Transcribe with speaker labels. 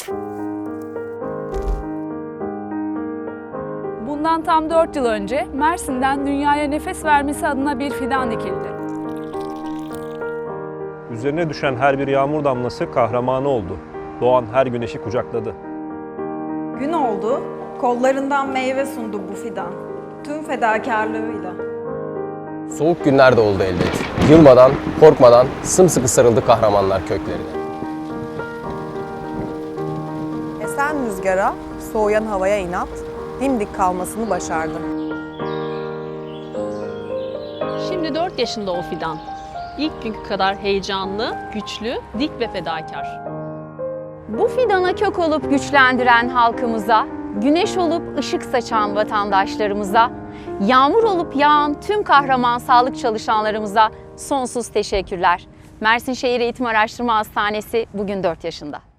Speaker 1: Bundan tam 4 yıl önce Mersin'den dünyaya nefes vermesi adına bir fidan dikildi.
Speaker 2: Üzerine düşen her bir yağmur damlası kahramanı oldu. Doğan her güneşi kucakladı.
Speaker 3: Gün oldu, kollarından meyve sundu bu fidan. Tüm fedakarlığıyla.
Speaker 4: Soğuk günler de oldu elbet. Yılmadan, korkmadan sımsıkı sarıldı kahramanlar köklerine.
Speaker 5: Esen rüzgara, soğuyan havaya inat, dimdik kalmasını başardı.
Speaker 6: Şimdi 4 yaşında o fidan. İlk günkü kadar heyecanlı, güçlü, dik ve fedakar.
Speaker 7: Bu fidana kök olup güçlendiren halkımıza, güneş olup ışık saçan vatandaşlarımıza, yağmur olup yağan tüm kahraman sağlık çalışanlarımıza sonsuz teşekkürler. Mersin Şehir Eğitim Araştırma Hastanesi bugün 4 yaşında.